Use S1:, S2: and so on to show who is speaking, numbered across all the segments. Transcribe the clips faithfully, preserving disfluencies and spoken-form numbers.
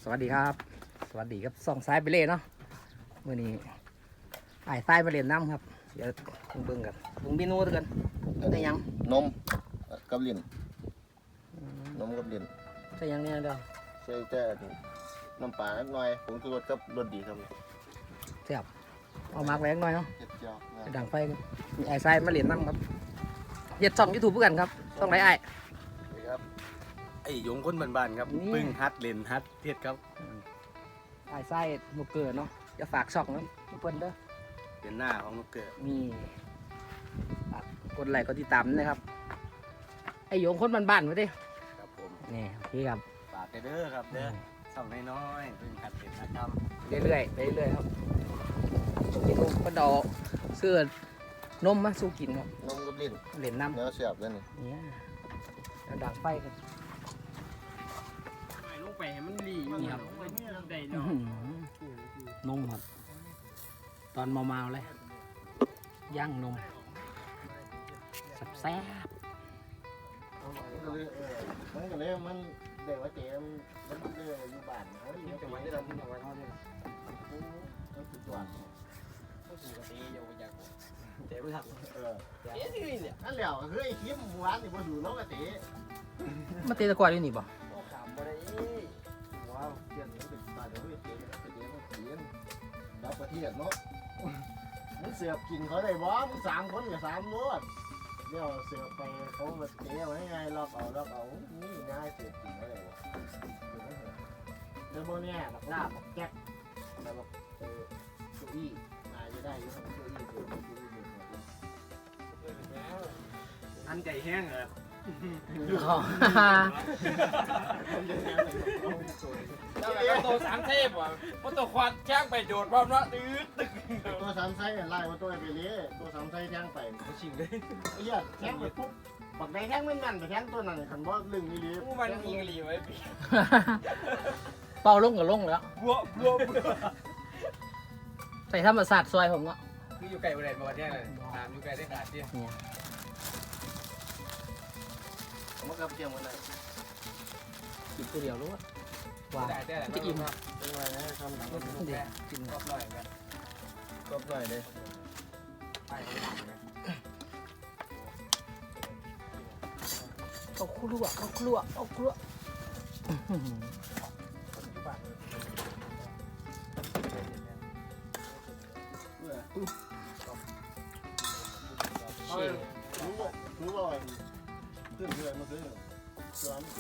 S1: สวัสดีครับสวัสดีครับส่องซ้ายไปเล่เนาะเมื่อนี้ไอ้ซ้ายมาเล่นน้ำครับเดี๋ยวเบิ่งกันปรุงเมนูด้วยกันได้ยัง
S2: นมกับลิ้นนมกับลิ้น
S1: ใช่ยังเนี่ยเด้อ
S2: ใส่แต่น้ำปลาหน่อยผงชูรสกับรสดีครับ
S1: แซ่บเอามากแรงหน่อยเนาะ
S2: เจ็ดเจียว
S1: ดังไฟมีไอ้ซ้ายมาเล่นน้ำครับเฮ็ดช่องยูทูบเพื่อกันครับช่องไหนไอ้
S2: ครับ
S3: ไอ้หยงคนบ้านๆครับปึ้งฮัดเล่นฮัดเทศครับ
S1: ไอ้ซ้ายลูกเกิดเนาะจะฝากช่องนะเพิ่นเด้อ
S3: เป็นหน้าของลูกเกิด
S1: มีฝากกดไลค์กดติดตามนะครับไอ้หยงคนบ้านๆไว้ดิ
S3: ครับผม
S1: นี่โอเคครับ
S3: ฝากเด้อครับเด้อช่องน้อยๆปึ้งฮัดเล่นฮัดท
S1: ำเรื่อยๆไปเรื่อยๆครับกินนมกระดอกเสื้อนมมาสู้กินครับ
S2: นมกับลิ้น
S1: เหรียญน้ำ
S2: เนื้อเสียบเลยนี่
S1: เนี่ยแล้วดังไฟกัน
S4: ลงไปให้มันรีนี่ครับได้เนาะ
S1: นมครับตอนเมาๆเลยย่างนมแซ่บ
S2: มันก็เลยมันเด็กว่าเจ๊มันมันเลยอยู่บ้านเขาอยู่จังหวัดที่เราที่จังหวัดเขาเนี่ยมันสุดยอด
S4: ก็ถูกตีอยู่อยาก
S1: เจ๊ไม่ทำ
S2: เออเจ๊ที่นี่เนี่ยนั่นแหละเฮ้ยคลิปหมู่บ้านนี่มาดูน้องกะเจ๊
S1: มาเตะตะกวาดอยู่นี่ป่ะ
S2: โอ้ขำบ่ได้ว้าวเจ๊นี่เป็นตาเดี๋ยวเจ๊เจ๊เจ๊มันเขียนรับประเทศเนาะมันเสือกกินเขาได้บ่มึงสามคนกับสามรถเดี๋ยวเสือกไปเขามาเจ๊ไว้ไงล็อกเอาล็อกเอานี่ง่ายเสือกกินเขาได้บ่เดี๋ยวโมเนี่ยบักลาบบักแก๊กแล้วบักเออตัวอี้นายจะได้ยังตัวอี้ตัวอี้ตัวอี้
S4: อันใจแห้งเหรอแล้วตัวสามเทพว่ะเพราะตัวควันแจ้งไปโดดพร้อมแล้วตื้อตึก
S2: ตัวสามไส้ไล่มาตัวไปเลยตัวสามไส้แทงไป
S4: เขาชิงเลย
S2: ไอ้เหี้ยแทงไปปุ๊บบักได้แทงไม่แม่นไปแทงตัวนั้นคันว่าลึงนี่เลย
S4: ผู้มันยิงหลีไว้ปี
S1: เป่าลงกับลงแล้ว
S4: บัวบัว
S1: ใส่ธรรมศาสตร์ซอยผมเนาะ
S4: คืออยู่ไกลประเด็นประเทศเลยตามอยู่ไกลได้ขาดที่
S2: ผมก็เตรียมไว้เลย
S1: กินตัวเดียวรู้ว่าว่าจะอิ่มครับ
S2: เป็นไรนะทำหนังก็
S1: เดี๋ยวกิน
S4: รอบหน่อยกัน
S2: รอบหน่อยเลย
S4: ไป
S1: เอาครัวเอาครัวเอาครัว
S2: เชี่ยรู้ว่ารู้ว่าขึ้นเรือมาซื้อร้อน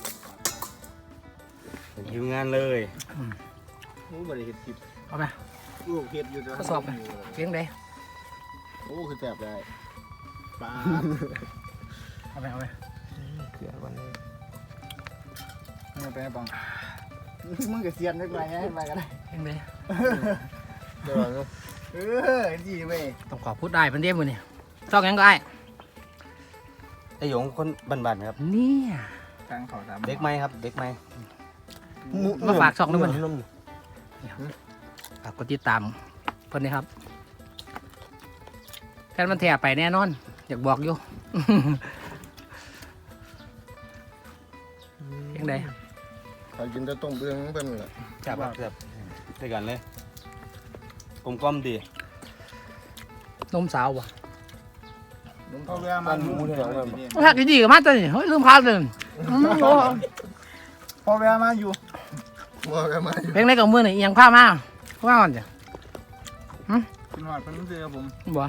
S3: หิวงานเลย
S2: รู้บริเหตุคลิป
S1: เอาไป
S2: ลูกเห็ดอยู่
S1: ทดสอบไปเพียงใด
S2: โอ้คือแสบได้ปลา
S1: เอาไปเอาไป
S2: เสียวันนี้ไม่ไปบังมึงกับเซียนได้ไหมไปกันได้
S1: เพียงใด
S2: เดี๋ยวเออดีเว้ย
S1: ต้องขอพูดได้เป็นเดียมือนี่ชอบยังไง
S3: ไอ้หยงคนบ้านๆครับ
S1: เนี่ย
S2: ทางเขาทำ
S3: เด็กไหมครับเด็กไหม
S1: มาฝากช่องด้วยมันฝากกดติดตามเพื่อนนี่ครับแค่มันแถไปแน่นอนอยากบอกอยู่ยังไง
S2: เขากินแต่ต้มเบื้องเป็นแหละ
S3: จับแบบด้วยกันเลยกลมกล่อมดี
S1: นมสาวว่ะ
S2: เขาเวลามันหมูเดียวแบบ
S1: ถ้ากินดีกับมันจะเฮ้ยลืมข้าวเลย
S2: พอเวลามาอยู่พอเวลามาอยู่
S1: เพลงในกับมือนี่ยังผ้ามาผ้าก่อนจ้ะ
S2: คุณหอดเป็นเสือผม
S1: บ่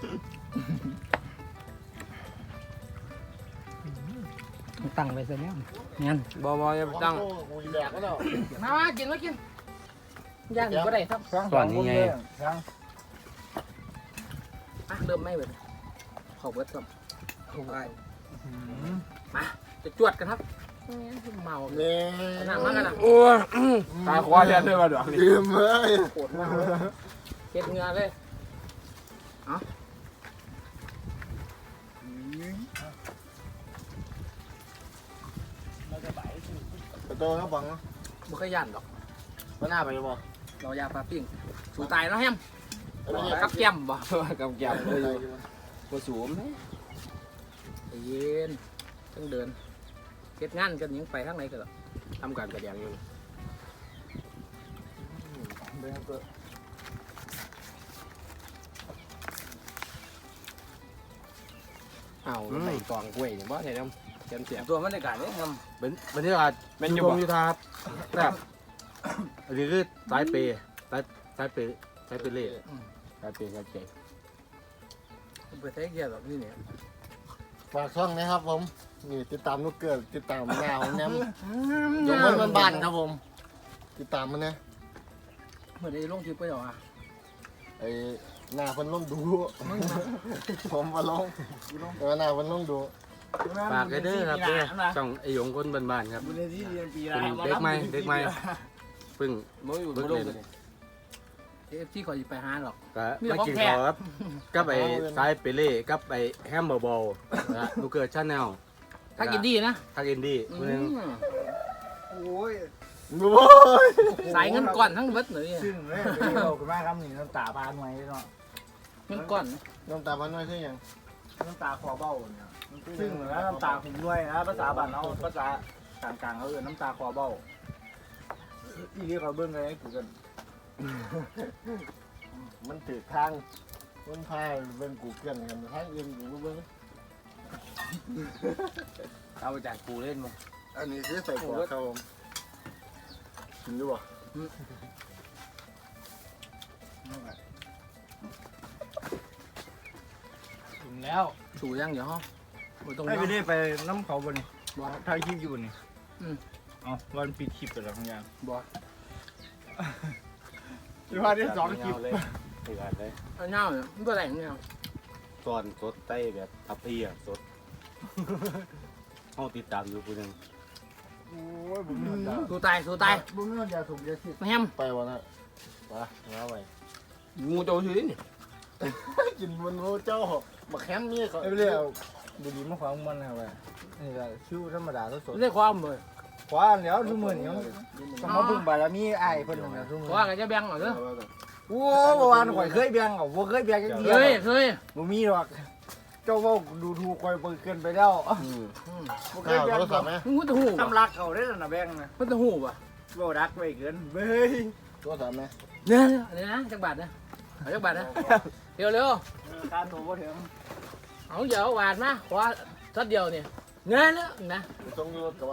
S1: ตั้งไปเสร็จแล้วงั้น
S4: บ่บ่จะตั้ง
S1: มามากินมากินย่างก็ได้ครับ
S3: ก่อนนี้ไง
S1: เริ่มไม่เว้ยขอบเวทครับถูกไอ้มาจะจวดกันครับเมา
S2: เนี่ย
S1: หนักมากกันนะ
S4: โอ้ตาคว้าเลียนเลยมาดอก
S2: ลืมเลย
S1: ปวดมากเก็บเงือเลยเอ้า
S2: ประตูเขาบังเนาะ
S1: บุกขยันดอก
S2: มันหน้าไปบ่
S1: เรายาปลาปิ้งสูตายแล้วแฮมกับแก้มบ่
S4: กับแก้มเลยตัวสูง
S1: เย็นต้องเดินเก็บงานกันยังไปข้างในกันหรอ
S4: ทำการกระแดงอยู่
S2: เลยครับก็
S1: เอาใส่กล่องกล้วยนี่บ่ได้นำเสียมเสียม
S4: ตัวมันในการนี้ท
S3: เป็นบรรยากาศ
S4: ำเป็น
S3: อ
S4: อยู่
S3: ยู่
S4: บ่
S3: อยู่ครับแบบอันนี้คือสายเปย์สายสายเปย์สายเปย์เล่สายเปย์สายเปย์
S1: ไปใช้เกียร์แบบนี้เนี่ย
S2: ฝากช่องนะครับผมนี่ติดตามลูกเกิดติดตามหน้าของแนมยงมันบ้านๆครับผมติดตามมันนะ
S1: เหมือนได้ลงคลิปไปหรออ่ะ
S2: ไอ้หน้าเพิ่นลงดู ผมมาลงแต่ว่าหน้าเพิ่นลงดู
S3: ฝากกันเด้อครับเด้อช่องไอหยงคนบ้านๆครับ
S4: บุญที่เรียนปี
S3: เป็
S4: ละ
S3: นเด็กใหม่เด็กใหม่เพิ่ง
S4: บ่อยู่
S3: เบิ
S4: บ่
S3: ก
S4: ล
S3: เล่
S4: ง
S3: น
S1: เอฟที่ขอจะไปหาหรอก
S3: ก็
S1: มีแต่
S3: มา
S1: ของ
S3: กิน
S1: แท้
S3: ข้าวครับกับไอ้สายเปเล่กับไอ้แฮมเบอร์บอลนะลูกเกิดชาแนล
S1: ถ้ากินดีนะ
S3: ทักอินดี้
S1: อื
S3: คนหนึง
S1: ม
S2: โอ้ยโอ้ย
S1: สายเงินก้อนทั้งเบิดเลย
S5: ซึ่งเลยเราคุณแม่ครับนี่น้ำตาบานไว้เนาะ
S1: เงินก้อน
S2: น้ำตาพันน้อยคือหยัง
S5: น้ำตาคอเบ้าเนี่ยซึ่งแล้วน้ำตาหุ่มด้วยนะภาษาบ้านเราภาษากลางๆเขาเออน้ำตาคอเบ้าอีเรียกเขาเบิ้งเลยกูกัน
S2: มันถือทางมันพายเบิ่งกูเกินกันทางอื่นกูบ่เบิ่ง
S4: เอาจากกูเล่นมา
S2: อันนี้คือใส่กรอกครับผมกินดูบ่
S5: ถึงแล้ว
S1: สูยังเดี๋ยวห้องไม่ต้อง
S5: ให้ไป
S1: เนาะ
S5: เรียกไปน้ำเขาบนนี่
S1: บ่
S5: ถ่ายคลิปอยู่นี่
S1: อืม
S5: เอาวันปิดคลิปไปแล้วทั้งอย่าง
S1: บ่
S5: ที่ว่าที่สองคลิป
S3: เลยถือกันเลย
S1: เอาเงาเนี่ยมันตัวแหลงเนี่ย
S3: ส่วนสดใต้แบบทับเพียสดเขาติดตามอยู่คนหนึง
S5: โอ้ยบุ้มน้ำตา
S1: สู้ตายสู้ตาย
S5: บุ้มน้ำตาถูกยาสิ
S1: แฮม
S2: ไปวะนะไปมาไป
S1: งูโจชื่อนี่
S2: กินมันโอ้เจ้าบักแฮมนี่เขา
S5: ไอ้เรียกบุหรี่มาขวางมันนะเว้ยนี่แหละชิวธรรมดาสด
S1: ไม่ได้ความเลย
S5: ๆขวางแล้วทุกมื้อนี่ต้องมาพึ่งบารมีไอ้เพิ่นน่ะทุกมื้อ
S1: ว่ากันจะแบ่งเหรอเด้อ
S5: โอ้เมื่อวานข่อยเคยแบ่งเอาบ่เคยแบ่งจักเดี
S1: เค
S5: ยวย
S1: เคย
S5: บ่มีหรอกเจ้าเว้าดูถูกข่อยเปิดเกินไปแล้ว
S1: อืม
S5: บ่เค
S2: ข้า
S5: ยว แบ่ง
S2: โทรศัพท์ไหม
S1: มึงก็จะหูป่ะ
S5: สำลักเขาได้แล้วนะแบ่งนะ
S1: มันจะหูป่ะ
S5: เว้ารักไว้เกินเบ้ย
S2: โทรศัพท์ไหม
S1: เนี่ยเนี่ยนะจักบาทนะเอาจักบาทนะเร็วเร็ว
S5: การโทรบ่ถึง
S1: เอาเดี๋ยวบาทมาขอทัดเดียวเนี่ยเนี่ยเนี่ยนะ
S2: ต้องรถกับว่า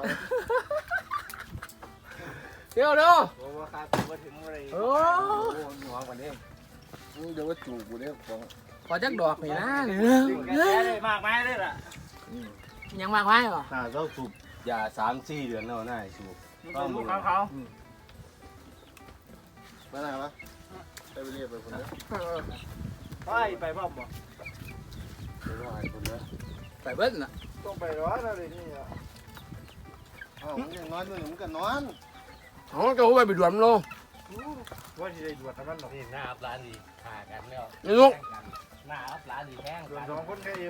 S1: เร็วเร็ว
S5: บ่ว่าค่าโทรบ่ถึงอะไร
S1: โอ้
S5: หัวกว่านี้
S2: มึงเดี๋ยวว่าจูบกูเนี่ยของ
S1: ขอจักดอกนี่นะ
S5: ถึงกันแท้เลยมากมายเลยล่ะ
S1: ยังมากไว้ป่ะ
S2: หน้าเจ้าจูบ
S3: อย่าสามสี่เดือนแล้วน่าสูบ
S5: ต้องลูกเขาเขา
S2: ไปไหนวะไปไปเรียกไปคนเดียว
S5: ไปไปบ่บ่
S3: ไปรอให้คนเด้อ
S1: ไปเบิ้ลน่ะ
S5: ต้องไปร้อนอะไรนี่อ่ะ
S2: อ้าวมึงยังนอนอยู่นี่มึงก็นอน
S1: อ๋อจะไปไปด่วนลง
S5: ว่าสิได้ดวดมันหรอก
S3: นี่หน้าอัพร้านดีขากันแล้ว
S1: นี่ลูก
S3: หน้าอัพร้านดีแห้ง
S5: ดวดสองคนแค่เดียว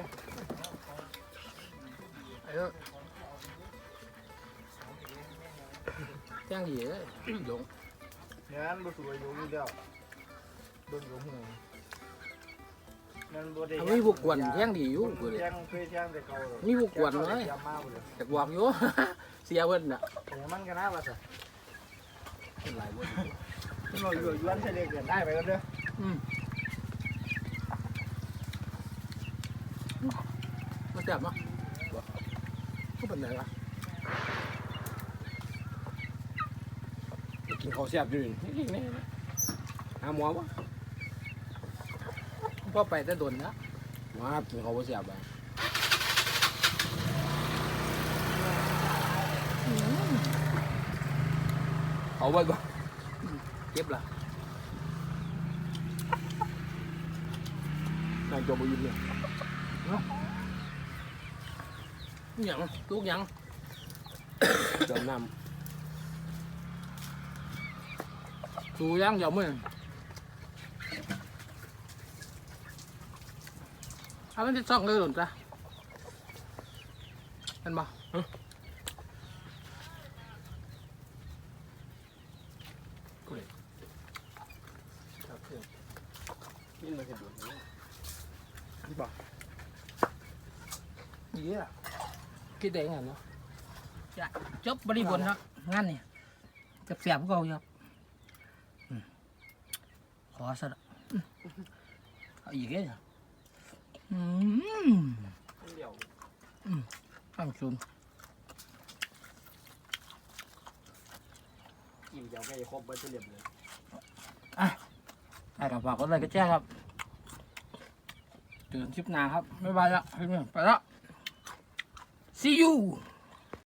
S1: แจ้งดีเลยหลง
S5: งานบ่สวยอยู่นี่แล้วเบิ่งอยู่หูนั่นบ่ได้
S1: เอามีพวกกวนแจ้งดีอยู่กูเลย
S5: แจ้งเคยแจ้งแต่เก่า
S1: มีพวกกวนเลย
S5: จำมาบ่เลย
S1: จะบอกอยู่ เสียเบิ้ลน่ะ
S5: แต่มันก็น่าว่าซะ
S1: หลายเบิ้ล
S5: มันบ่อยู่ย้อนใส่เล็กเกินได้ไปกันเด้อ
S1: อืมมาจับมั้งก็เป็นไรวะกินข้าวเสียบอยู่นี่หาหมอปะพ่อไปแต่โดนนะมากินข้าวเสียบไปเอาไว้บ่เก็บละนายจบไปยืนเนี่ยหยังลูกหยังเติมน้ำสูยังเดี๋ยวมึงเอามันจะซ่องเลยหรือจ้ะเห็นบ่ฮะกูเลยนี่มันจะดูนี่บ่ยี่อะคิดได้ไงเนาะจะจบบริบทครับงานนี่จะเสียบก็เอาครับอซะละเอาอีกเลยอืม
S4: เดี๋ยว
S1: ตั้งซุน
S4: กินเดี๋ยวไปครบไปเฉลี่ยเลย
S1: ไอ้กับฝากกดไลค์กดแชร์ครับเจอกันคลิปหน้าครับบ๊ายบายละไปแล้ว see you